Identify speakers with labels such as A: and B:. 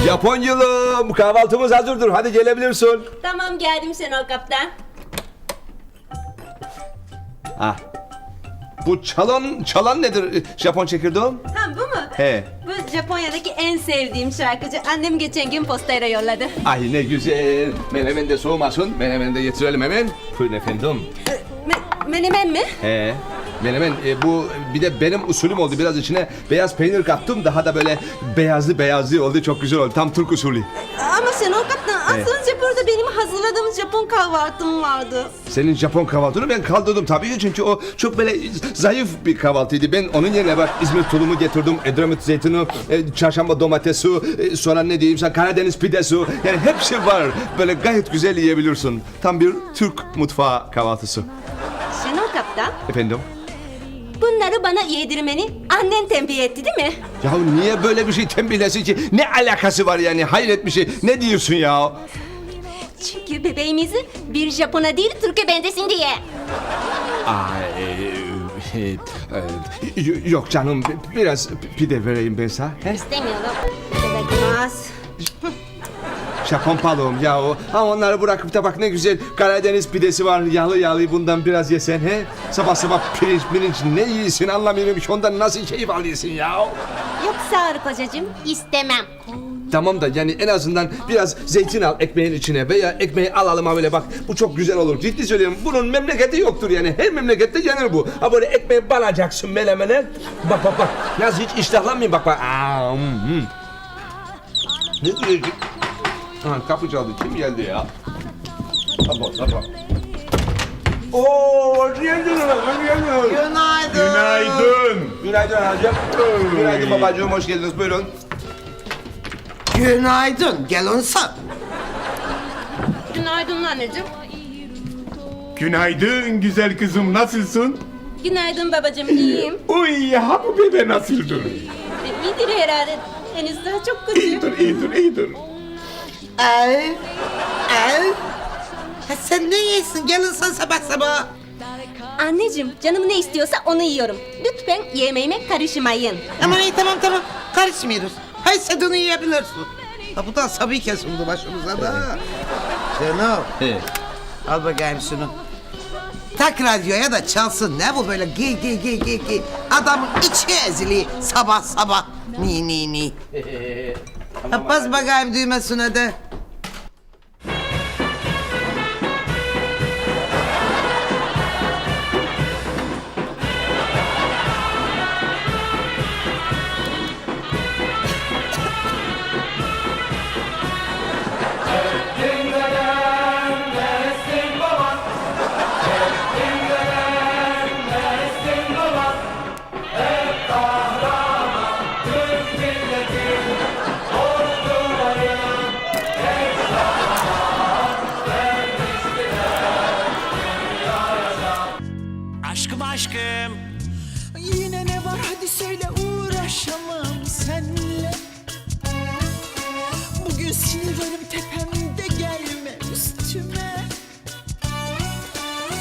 A: Japonyalım, kahvaltımız hazırdır. Hadi gelebilirsin.
B: Tamam geldim Şenol Kaptan.
A: Ah. Bu çalan nedir Japon çekirdeğim?
B: Ha bu mu?
A: He.
B: Bu Japonya'daki en sevdiğim şarkıcı. Annem geçen gün postayla yolladı.
A: Ay ne güzel. Menemen de soğumasın. Menemen de getirelim hemen. Buyurun efendim.
B: Menemen mi?
A: He. Menemen bu bir de benim usulüm oldu. Biraz içine beyaz peynir kattım. Daha da böyle beyazlı oldu. Çok güzel oldu. Tam Türk usulü.
B: Ama Şenol Kaptan az önce burada benim hazırladığım Japon kahvaltım vardı.
A: Senin Japon kahvaltını ben kaldırdım tabii ki, çünkü o çok böyle zayıf bir kahvaltıydı. Ben onun yerine bak İzmir tulumu getirdim, Edremit zeytini, çarşamba domatesi, sonra ne diyeyim sana Karadeniz pidesi, yani hepsi var. Böyle gayet güzel yiyebilirsin. Tam bir Türk mutfağı kahvaltısı.
B: Şenol Kaptan,
A: Efendim?
B: bunları bana yedirmeni annen tembih etti değil mi?
A: Ya niye böyle bir şey tembihlesin ki? Ne alakası var yani? Hayret bir şey. Ne diyorsun ya?
B: Çünkü bebeğimizi bir Japon'a değil Türk'e bendesin diye.
A: Yok canım, biraz pide vereyim ben sana. He?
B: İstemiyorum. Bebekmez.
A: Japon balığım ya o. Ha onları bırakıp da bak ne güzel Karadeniz pidesi var. Yağlı bundan biraz yesen he. Sabah sabah pirinç ne yiyorsun anlamıyorum ki, ondan nasıl keyif alıyorsun ya.
B: Yok sağ ol kocacığım. İstemem.
A: Tamam da yani en azından biraz zeytin al ekmeğin içine veya ekmeği alalım ha böyle bak. Bu çok güzel olur. Ciddi söylüyorum. Bunun memleketi yoktur yani. Her memlekette yenir bu. Ha böyle ekmeği banacaksın melemene. Bak. Nasıl hiç iştahlanmayayım bak. Ne diyor ki? Ha, kapı çaldı. Kim geldi ya? Sabah. Oo, hoş geldin. Günaydın anacığım. Günaydın babacığım, hoş geldiniz. Buyurun.
C: Günaydın, gel sen.
B: Günaydın anneciğim.
D: Günaydın güzel kızım, nasılsın?
B: Günaydın babacığım, iyiyim.
D: Uy, ha bu bebe nasıldır?
B: İyidir herhalde. Henüz daha çok kötü.
D: İyidir.
C: Ay. Ha sen ne yiyorsun? Gel sen sabah sabah.
B: Anneciğim, canım ne istiyorsa onu yiyorum. Lütfen yemeğime karışmayın.
C: Aman iyi tamam. Karışmıyoruz. Hay sen onu yiyebilirsin. Ha bu da asabi kesildi başımıza da. Şenol.
A: He.
C: Al bakayım şunu. Tak radyoya da çalsın. Ne bu böyle giy. Adamın içi ezili sabah. Ni. Ha bas bakayım düğmesine de.